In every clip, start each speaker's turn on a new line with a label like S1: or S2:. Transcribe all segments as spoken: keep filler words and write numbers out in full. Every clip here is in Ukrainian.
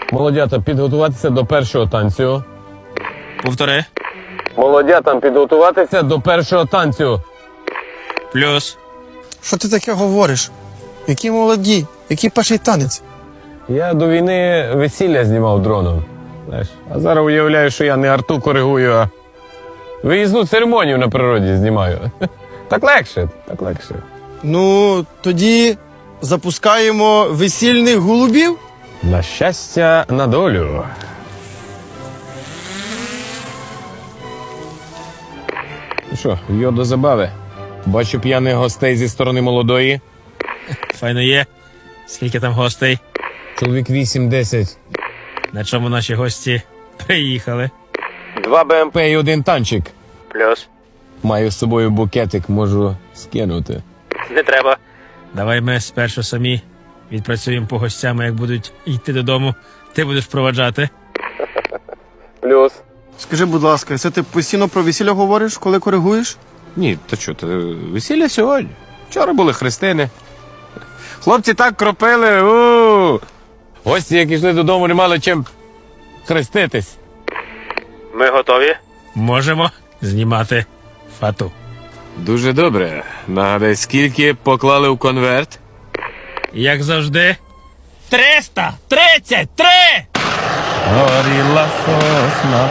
S1: Молодята, підготуватися до першого танцю.
S2: Повтори.
S1: Молодятам підготуватися до першого танцю.
S2: Плюс.
S3: Що ти таке говориш? Які молоді? Який перший танець?
S1: Я до війни весілля знімав дроном. Знаєш, а зараз уявляю, що я не арту коригую, а виїзну церемонію на природі знімаю. Так легше, так легше.
S3: Ну, тоді запускаємо весільних голубів.
S1: На щастя, на долю. Ну що, йо до забави. Бачу п'яних гостей зі сторони молодої.
S2: Файно є. Скільки там гостей?
S1: Чоловік вісім-десять.
S2: На чому наші гості приїхали?
S1: Два БМП і один танчик.
S2: Плюс.
S1: Маю з собою букетик, можу скинути.
S2: Не треба. Давай ми спершу самі відпрацюємо по гостям, як будуть йти додому. Ти будеш проваджати.
S1: Плюс.
S3: Скажи, будь ласка, це ти постійно про весілля говориш, коли коригуєш?
S1: Ні, то що, то весілля сьогодні. Вчора були хрестини. Хлопці так кропили. У! Гості, як йшли додому, не мали чим хреститись.
S2: Ми готові? Можемо знімати фату.
S1: Дуже добре. Нагадай, скільки поклали в конверт?
S2: Як завжди. триста тридцять три!
S1: Горіла сосна,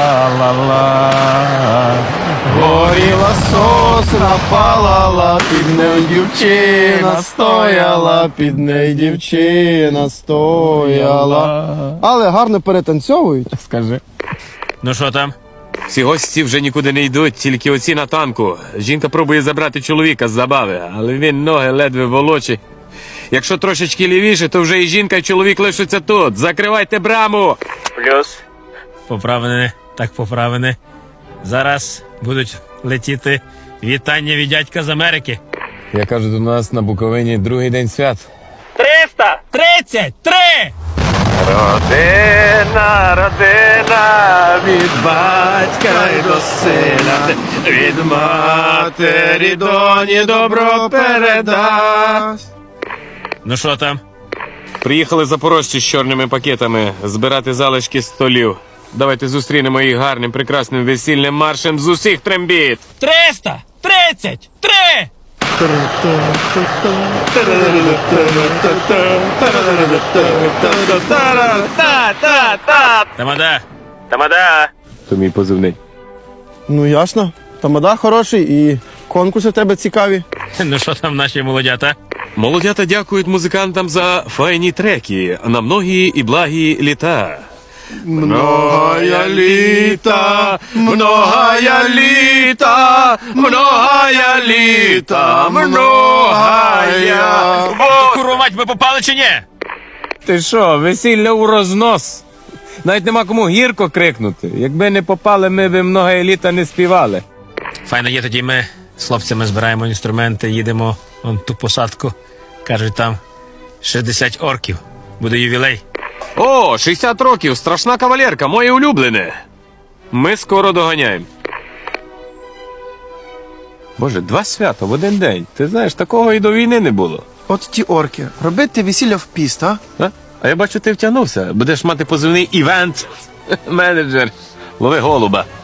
S1: палала. Горіла сосна, палала, під нею дівчина стояла, під нею дівчина стояла.
S3: Але гарно перетанцьовують.
S1: Скажи.
S2: Ну що там?
S1: Всі гості вже нікуди не йдуть, тільки оці на танку. Жінка пробує забрати чоловіка з забави, але він ноги ледве волочить. Якщо трошечки лівіше, то вже і жінка, і чоловік лишаться тут. Закривайте браму!
S2: Плюс. Поправини, так поправини. Зараз будуть летіти вітання від дядька з Америки.
S1: Я кажу, до нас на Буковині другий день свят.
S2: триста тридцять три!
S1: Родина, родина, від батька й до сина, від матері доні добро передасть.
S2: Ну що там?
S1: Приїхали запорожці з чорними пакетами збирати залишки столів. Давайте зустрінемо їх гарним, прекрасним весільним маршем з усіх трембіт.
S2: триста тридцять три! Тамада! Тамада!
S1: То мій позивний.
S3: Ну ясно. Тамада хороший і конкурси в тебе цікаві.
S2: Ну що там наші молодята?
S1: Молодята дякують музикантам за файні треки на многі і благі літа. Многая літа, многая літа, многая літа, многая.
S2: Курувать ми попали чи ні?
S1: Ти що, весілля у рознос? Навіть нема кому гірко крикнути. Якби не попали, ми б многая літа не співали.
S2: Файно є, тоді ми з хлопцями збираємо інструменти, їдемо вон ту посадку. Кажуть, там шістдесят орків. Буде ювілей.
S1: О, шістдесят років, страшна кавалерка, моє улюблене. Ми скоро доганяємо. Боже, два свята в один день. Ти знаєш, такого і до війни не було.
S3: От ті орки. Робити весілля в піст, а?
S1: А, а я бачу, ти втягнувся. Будеш мати позивний івент-менеджер. Лови голуба.